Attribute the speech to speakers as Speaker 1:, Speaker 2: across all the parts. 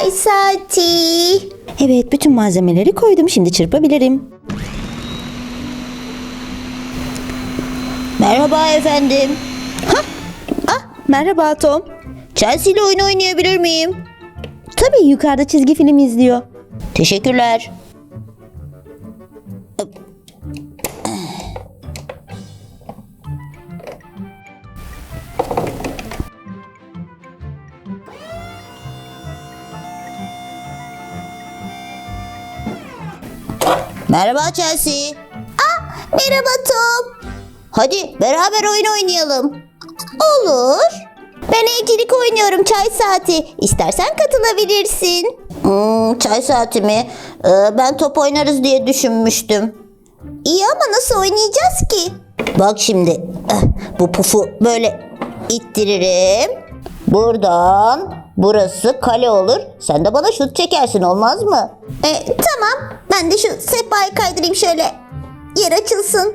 Speaker 1: Çay saati.
Speaker 2: Evet, bütün malzemeleri koydum. Şimdi çırpabilirim.
Speaker 1: Merhaba efendim.
Speaker 2: Merhaba Tom.
Speaker 1: Chelsea ile oyun oynayabilir miyim?
Speaker 2: Tabii, yukarıda çizgi film izliyor.
Speaker 1: Teşekkürler. Merhaba Chelsea. Merhaba Tom. Hadi beraber oyun oynayalım. Olur. Ben evcilik oynuyorum, çay saati. İstersen katılabilirsin. Çay saati mi? Ben top oynarız diye düşünmüştüm. İyi ama nasıl oynayacağız ki? Bak şimdi bu pufu böyle ittiririm. Buradan burası kale olur. Sen de bana şut çekersin, olmaz mı? Tamam. Ben de şu sehpayı kaydırayım şöyle. Yer açılsın.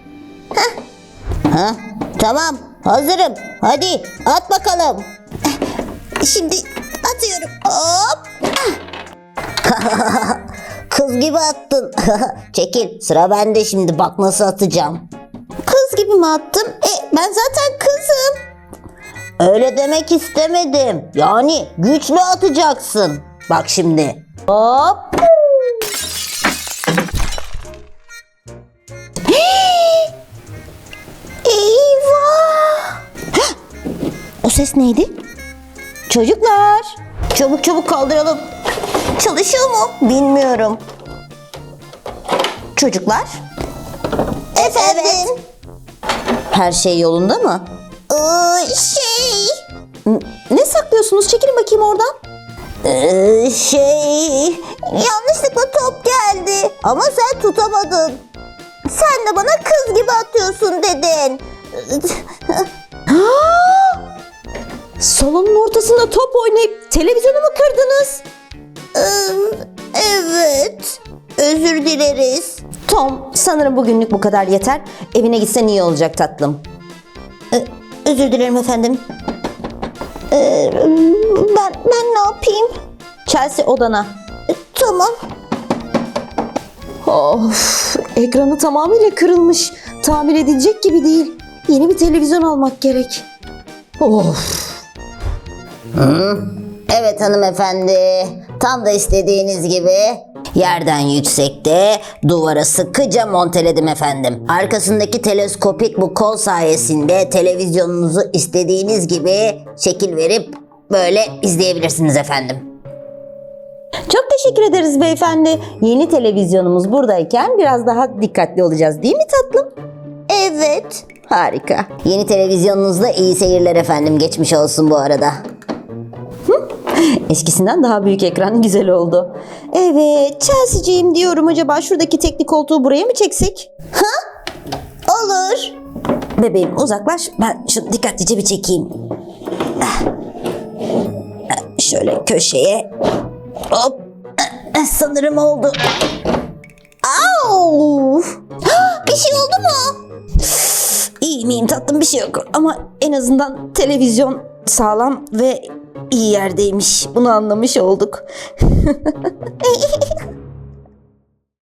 Speaker 1: Tamam. Hazırım. Hadi at bakalım. Şimdi atıyorum. Hop. Kız gibi attın. Çekil. Sıra bende şimdi. Bak nasıl atacağım. Kız gibi mi attım? Ben zaten kızım. Öyle demek istemedim. Yani güçlü atacaksın. Bak şimdi. Hop. Eyvah!
Speaker 2: O ses neydi?
Speaker 1: Çocuklar, çabuk çabuk kaldıralım. Çalışıyor mu? Bilmiyorum.
Speaker 2: Çocuklar,
Speaker 1: Efendim?
Speaker 2: her şey yolunda mı?
Speaker 1: Şey...
Speaker 2: Ne saklıyorsunuz? Çekilin bakayım oradan.
Speaker 1: Yanlışlıkla top geldi. Ama sen tutamadın. Sen de bana kız gibi atıyorsun dedin.
Speaker 2: Salonun ortasında top oynayıp televizyonu mu kırdınız?
Speaker 1: Evet. Özür dileriz.
Speaker 2: Tom, sanırım bugünlük bu kadar yeter. Evine gitsen iyi olacak tatlım.
Speaker 1: Özür dilerim efendim. Ben ne yapayım?
Speaker 2: Chelsea, odana.
Speaker 1: Tamam.
Speaker 2: Of, ekranı tamamıyla kırılmış. Tamir edilecek gibi değil. Yeni bir televizyon almak gerek. Of.
Speaker 1: Evet hanımefendi. Tam da istediğiniz gibi yerden yüksekte duvara sıkıca monteledim efendim. Arkasındaki teleskopik bu kol sayesinde televizyonunuzu istediğiniz gibi şekil verip böyle izleyebilirsiniz efendim.
Speaker 2: Çok teşekkür ederiz beyefendi. Yeni televizyonumuz buradayken biraz daha dikkatli olacağız, değil mi tatlım?
Speaker 1: Evet.
Speaker 2: Harika.
Speaker 1: Yeni televizyonunuzda iyi seyirler efendim. Geçmiş olsun bu arada.
Speaker 2: Eskisinden daha büyük ekran, güzel oldu. Evet, Chelsea'ciğim diyorum, acaba şuradaki teknik koltuğu buraya mı çeksek?
Speaker 1: Olur.
Speaker 2: Bebeğim uzaklaş, ben şunu dikkatlice bir çekeyim. Şöyle köşeye. Hop.
Speaker 1: Sanırım oldu. Au! Bir şey oldu mu?
Speaker 2: İyi miyim tatlım, bir şey yok. Ama en azından televizyon sağlam ve iyi yerdeymiş. Bunu anlamış olduk.